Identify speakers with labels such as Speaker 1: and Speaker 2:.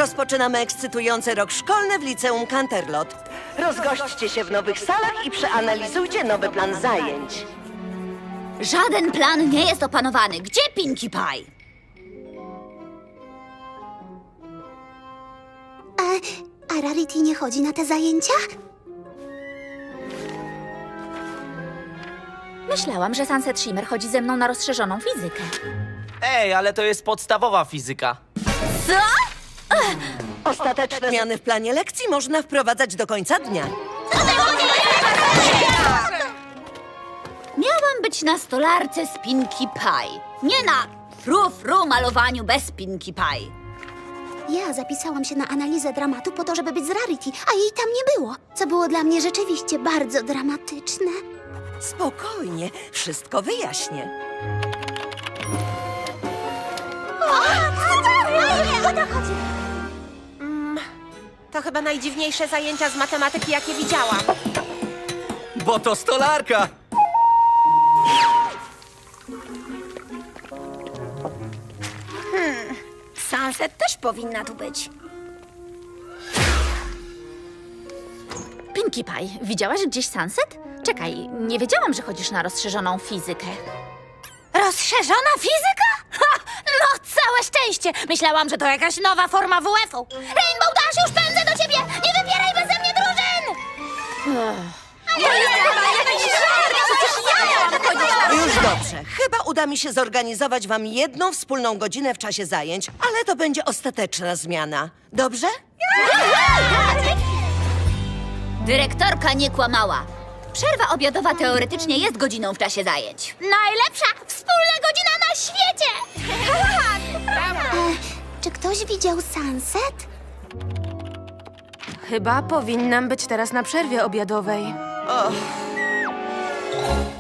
Speaker 1: Rozpoczynamy ekscytujący rok szkolny w liceum Canterlot. Rozgośćcie się w nowych salach i przeanalizujcie nowy plan zajęć.
Speaker 2: Żaden plan nie jest opanowany. Gdzie Pinkie Pie?
Speaker 3: A Rarity nie chodzi na te zajęcia?
Speaker 2: Myślałam, że Sunset Shimmer chodzi ze mną na rozszerzoną fizykę.
Speaker 4: Ej, ale to jest podstawowa fizyka.
Speaker 2: Co?
Speaker 1: Ostateczne zmiany w planie lekcji można wprowadzać do końca dnia.
Speaker 2: Miałam być na stolarce z Pinkie Pie. Nie na fru malowaniu bez Pinkie Pie.
Speaker 3: Ja zapisałam się na analizę dramatu po to, żeby być z Rarity, a jej tam nie było, co było dla mnie rzeczywiście bardzo dramatyczne.
Speaker 1: Spokojnie, wszystko wyjaśnię.
Speaker 5: To chyba najdziwniejsze zajęcia z matematyki, jakie widziałam.
Speaker 4: Bo to stolarka!
Speaker 2: Sunset też powinna tu być. Pinkie Pie, widziałaś gdzieś Sunset? Czekaj, nie wiedziałam, że chodzisz na rozszerzoną fizykę. Rozszerzona fizyka? Ha! No, całe szczęście! Myślałam, że to jakaś nowa forma WF-u. Rainbow Dash, już pędzę do ciebie! Nie wybieraj beze mnie drużyn!
Speaker 1: Już dobrze. Chyba uda mi się zorganizować wam jedną wspólną godzinę w czasie zajęć, ale to będzie ostateczna zmiana. Dobrze?
Speaker 2: Dyrektorka nie kłamała. Przerwa obiadowa teoretycznie jest godziną w czasie zajęć. Najlepsza wspólna godzina na świecie!
Speaker 3: Czy ktoś widział Sunset?
Speaker 5: Chyba powinnam być teraz na przerwie obiadowej.